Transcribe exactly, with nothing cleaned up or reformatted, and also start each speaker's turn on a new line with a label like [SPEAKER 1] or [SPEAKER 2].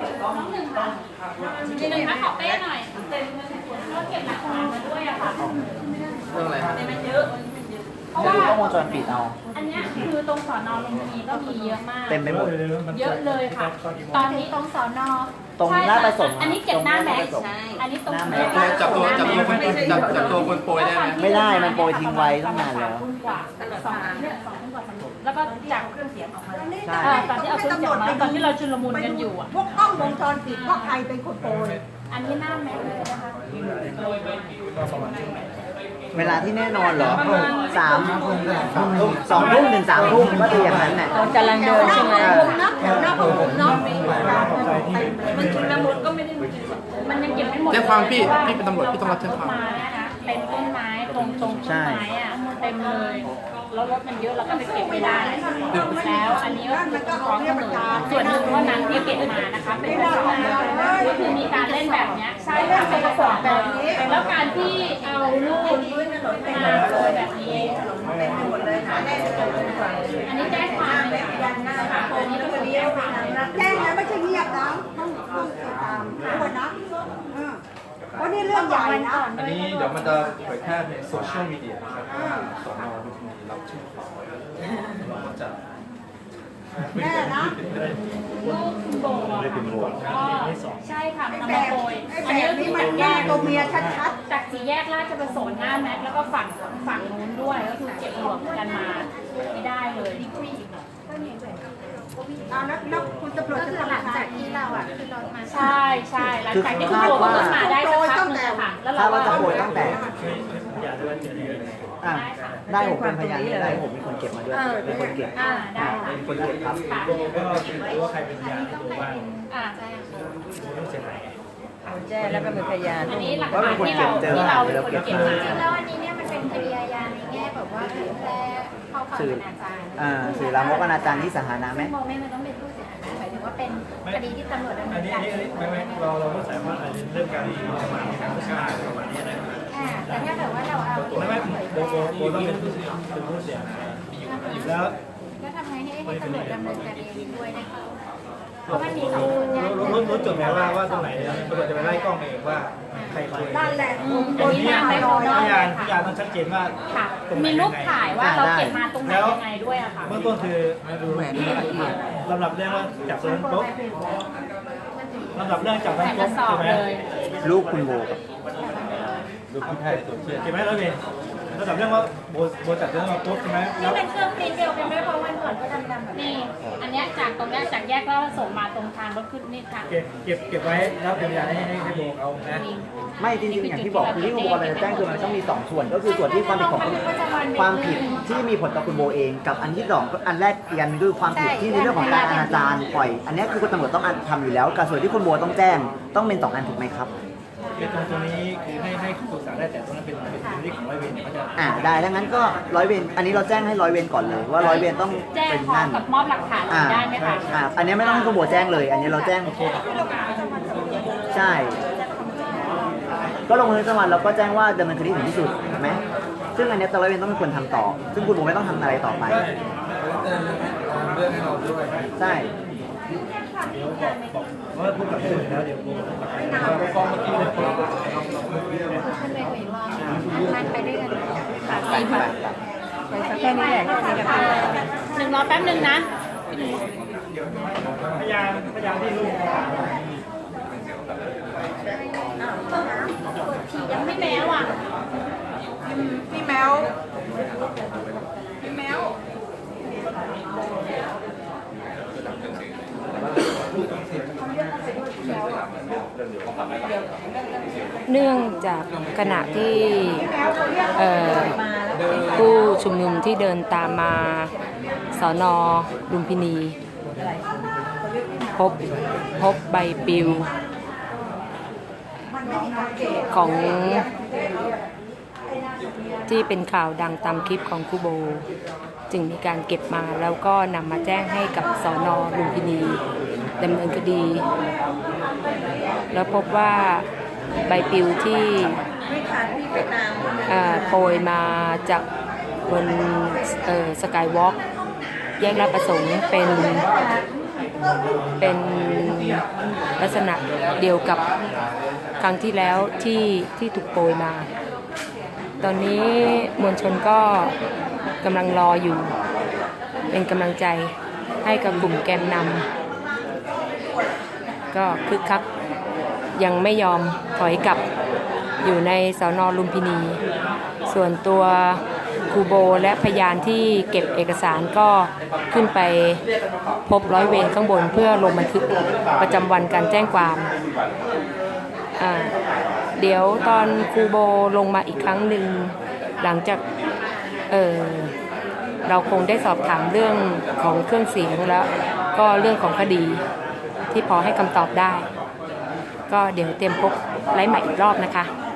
[SPEAKER 1] น้องหนึ่งค่ะทีหนึ่งคะขอเป้หน่อยเราเก็บหลักฐานมาด้วยอะค่ะ
[SPEAKER 2] เรื่องอะไรครับ
[SPEAKER 1] มันเยอะเพราะ
[SPEAKER 3] จะ
[SPEAKER 1] ว่า
[SPEAKER 3] ดูกล้องวงจรปิดเอา
[SPEAKER 1] อันเนี้ยคือตรงสอนอลุมพินีก็มีเยอะมาก
[SPEAKER 3] เต็มไปหมด
[SPEAKER 1] เยอะเลยค่ะ ตอนนี้ตรงสอนอ
[SPEAKER 3] ตรงหน้าประสงค์
[SPEAKER 1] อันนี้เก็บหน้าแม็กซ์
[SPEAKER 3] ตรง
[SPEAKER 1] อันนี้ตรง
[SPEAKER 3] หน้าแม็
[SPEAKER 1] แม็
[SPEAKER 3] ก
[SPEAKER 1] ก
[SPEAKER 3] ซ์
[SPEAKER 1] ซ์
[SPEAKER 2] จับตัวจับตัวคนจับจับตัวคนโปรยได้ไหม
[SPEAKER 3] ไม่ได้มันโปรยทิ้งไว้ตั้งนานแล้ว
[SPEAKER 1] ทุ่มกว่าสองเนี่ยสองทุ่มกว่าสามทุ่มแล้วก็จากเครื่องเสียงออกมา
[SPEAKER 3] ใช่
[SPEAKER 1] เออตอนที่เอาเครื่องเสียงมาตอนที่เราชุลมุนกันอยู่อ่ะ
[SPEAKER 4] พวกกล้องวงจรปิดว่าใครเป็นคนโกย
[SPEAKER 1] อันนี้หน้าแม็กซ์เลยนะคะ
[SPEAKER 3] เวลาที่แน่นอนเหรอสามสองทุ่มถึงสามทุ่มก็คืออย่างนั้นแหละ
[SPEAKER 1] กำลังเดินใช่ไหม
[SPEAKER 4] นะแถวหน้าผมเนาะ
[SPEAKER 1] มันชุลมุนก็ไม่ได้มันยังเก็บไม่หมด
[SPEAKER 2] แจ้งความพี่พี่เป็นตำรวจพี่ต้องรับแจ้งความ
[SPEAKER 1] ต้นไม้อะนะเต็มต้นไม้ตรงตรงต้นไม้อ่ะเต็มเลยแล้วรถมันเยอะเราก็ไปเก็บไม่ได้ แล้วอันนี้ก็คือฟ้องตำรวจส่วนหนึ่งเท่านั้นที่เก็บมานะคะเป็นกระสอบก็คือมีการเล่นแบบเนี้ยใช่ค่ะเป็นกระสอบแบบนี้แล้วการที่เอาลูกมาโรยแบบนี้อันนี้แจ้งความเลยค่ะอันนี้ก็เป็นแจ้งความเลย
[SPEAKER 4] แจ้งนะไม่ใช่เงียบนะต้องต้องติดตามด้วยนะเออเพราะนี่เรื่องใหญ่นะ
[SPEAKER 5] อันนี้เดี๋ยวมันจะเผยแพร่ในโซเชียลมีเดียนะครับสอนอลุมพินีรับชื่อของเราก็จะ
[SPEAKER 4] แน่นะ
[SPEAKER 1] ลูกคุณโบก็ใช่ค่ะมัน
[SPEAKER 4] แบ
[SPEAKER 1] มา
[SPEAKER 4] บ
[SPEAKER 1] โปรย
[SPEAKER 4] ไอ้แบบนี้มันหน้าตัวเมียชัด
[SPEAKER 1] จากสี่แยกราชประสงค์หน้าแม็กแล้วก็ฝั่งฝั่งนู้นด้วยก็คือเก็บรวมกันมาไม่ได้เลย
[SPEAKER 4] ๆเอาแล้วแล้วคุณตำรวจจะทำยังไง
[SPEAKER 1] ใช่ใช่หลังจากที่คุณโบก็ขึ้นมาได้สักพักหนึงอะค่ะแล้วเรา
[SPEAKER 3] ถ้า
[SPEAKER 1] ก็
[SPEAKER 3] ว่าจะโปรยตั้งแต่อ่ะได้ผมเป็นพยานได้ผมเป็นคนเก็บมาด้วยเป็นคนเก็บ
[SPEAKER 1] อ่าได้ค่ะ
[SPEAKER 3] เป็นคนเก็บครับ
[SPEAKER 1] ค่ะ
[SPEAKER 5] ก็รู้ว่าใครเป็นพยานที่ดูบ้าง
[SPEAKER 1] อ่า
[SPEAKER 5] ไม่เสียหาย
[SPEAKER 6] แจ้แล้วก็เป็นพยาน
[SPEAKER 1] อันนี้หลักฐานที่เราที่เราเป็นคนเก็บมา
[SPEAKER 7] แล้วอันนี้เนี่ยมันเป็นคดีอาญาในแง่แบบว่าเผยแพร่ข้อความอนาจารย์
[SPEAKER 3] อ่าสื่อลามกอนาจารที่สาธารณะไหม
[SPEAKER 7] ซึ่งโมไม่มันต้องเป็นผู้เสียหายนะหมายถึงว่าเป็นคดีที่ตำรวจดำเนิ
[SPEAKER 5] อัน
[SPEAKER 7] น
[SPEAKER 5] นี้
[SPEAKER 7] กา
[SPEAKER 5] อั
[SPEAKER 7] ร
[SPEAKER 5] นนี้อันนี้ไม่ไม่เราเราก็สามารถเรื่องการประมาทในการฆ่าประมาณนี้นะ
[SPEAKER 7] อ่าแต่ถ้าเกิดว่าเราเอา
[SPEAKER 5] ไม่ไม่
[SPEAKER 7] เผย
[SPEAKER 5] โบ
[SPEAKER 7] แพร่
[SPEAKER 5] โบโบต้องเป็นผู้เสียเป็นผู้เสียหายแล้ว
[SPEAKER 7] ก็ทำไงให้ให้ตำรวจดำเนินการเองด้วยนะคะเพราะมันมีสองคนแยก
[SPEAKER 5] รู้รู้รู้จุดไหมว่าว่าตรงไหนตำรวจจะไปไล่กล้องเองว่าใครคุย
[SPEAKER 4] นั่นแหละ
[SPEAKER 1] อันนี้มาไม่พอ
[SPEAKER 5] พยาน
[SPEAKER 1] ค่ะ
[SPEAKER 5] พยานต้องชัดเจนว่า
[SPEAKER 1] ค่ะ มีรูปถ่ายว่าเราเก็บมาตรงไหนยังไงด้วยอะค่ะ
[SPEAKER 5] เบื้องต้นคือดูลำดับเรื่องว่าจับตัวนั้นปุ๊บลำดับเรื่องจับนั้น
[SPEAKER 1] ใส่ก
[SPEAKER 5] ปุ๊
[SPEAKER 1] ระ
[SPEAKER 5] บ
[SPEAKER 1] สอบ
[SPEAKER 5] ใช่ไหม
[SPEAKER 1] เลย
[SPEAKER 3] ลูกคุณโบกับ
[SPEAKER 5] ดูพี่ไทยตัวเชื่อเก็บไหมร้อยเวรลำดับเรื่องว่าโบโบจับตัวนั้นมาปุ๊บใช่ไหมแล้
[SPEAKER 1] นี่
[SPEAKER 5] ว
[SPEAKER 1] เป็นเครื่องปริ้นเดียวกันด้วยเพราะวันก่อนก็ดำๆแบบนี้ อันเนี้ยจากตรงเนี้ยจากแยกก็ส่งมาตรงทางรถขึ้นนี่ค่ะ
[SPEAKER 5] เก็บเก็บเก็บไว้แล้วเป็นพยานให้ให้ให้โบเอานะ
[SPEAKER 3] ไม่จริงๆอย่างที่บอกคือที่คุณโบกำลังจะแจ้งคือมันต้องมีสองส่วน ก็คือส่วนที่ความผิดของคุณความผิดที่มีผลต่อคุณโบเอง กับอันที่สองอันแรกอีกอันคือความผิดที่ในเรื่องของการอนาจารปล่อย อันนี้คือคุณตำรวจต้องทำอยู่แล้วกับส่วนที่คุณโบต้องแจ้งต้องเป็นสองอันถูกไหมครับ
[SPEAKER 5] ไอ้ตรงตรงนี้คือให้ให้ปรึกษาได้แต่ตรงนั้นเป็นเป็นเป็นเรื่องของร้อยเวรเนี่ยเขาจะ
[SPEAKER 3] อ่าได้ถ้างั้นก็ร้อยเวรอันนี้เราแจ้งให้ร้อยเวรก่อนเลย ว่าร้อยเวรต้อง
[SPEAKER 1] แจ้ง
[SPEAKER 3] เป็น
[SPEAKER 1] พร้อ
[SPEAKER 3] นั่
[SPEAKER 1] ม
[SPEAKER 3] น
[SPEAKER 1] กับมอบหลักฐาน
[SPEAKER 3] อ่า
[SPEAKER 1] ได้ไหมคะ
[SPEAKER 3] อ่าอันนี้ไม่ต้องให้คุณโบแจ้งเลย อันนี้เราแจ้งใช่ ก็ลงบันทึกประจำวันแล้วก็แจ้งว่าดำเนินคดีถึงที่สุดถูกไหมซึ่งอันนี้ตำรวจต้องเป็นคนทำต่อ ซึ่งคุณโบไม่ต้องทำอะไรต่อไป
[SPEAKER 5] เรื่องให้เราด้วย
[SPEAKER 3] ใช่
[SPEAKER 5] เดี๋ยวบอกบอกว่าพูดกับสื่อแล้วเดี๋ยวโบว่าฟ้องเมื่อกี้เลย
[SPEAKER 7] ขึ้นไปคุยอีกรอบนั่งไปด้วยกันค่ะ
[SPEAKER 3] ไปไปไป
[SPEAKER 6] ไปสักแค่นี้แหละแค่นี้แหละ
[SPEAKER 1] หนึ่งรอแป๊บหนึ่งนะ
[SPEAKER 5] พยานพยานที่รู้
[SPEAKER 1] ยังไม่แม้ว่ะ
[SPEAKER 4] พี่แมวพี่แมว
[SPEAKER 6] เนื่องจากขณะที่เอ่อผู้ชุมนุมที่เดินตามมาสอนอลุมพินี พบพบใบปลิว ของที่เป็นข่าวดังตามคลิปของครูโบ จึงมีการเก็บมาแล้วก็นำมาแจ้งให้กับสน.ลุมพินีดำเนินคดี แล้วพบว่าใบปลิวที่โปรยมาจากบนสกายวอล์กแยกลาดประสงค์เป็นเป็นลักษณะเดียวกับครั้งที่แล้วที่ที่ถูกโปรยมา ตอนนี้มวลชนก็กำลังรออยู่ เป็นกำลังใจให้กับกลุ่มแกนนำก็คึกคักยังไม่ยอมถอยกลับอยู่ในสน.ลุมพินี ส่วนตัวครูโบและพยานที่เก็บเอกสารก็ขึ้นไปพบร้อยเวรข้างบนเพื่อลงบันทึกประจำวันการแจ้งความอ่าเดี๋ยวตอนครูโบลงมาอีกครั้งหนึ่งหลังจากเออเราคงได้สอบถามเรื่องของเครื่องเสียงแล้วก็เรื่องของคดีที่พอให้คำตอบได้ก็เดี๋ยวเตรียมพบไลฟ์ใหม่อีกรอบนะคะ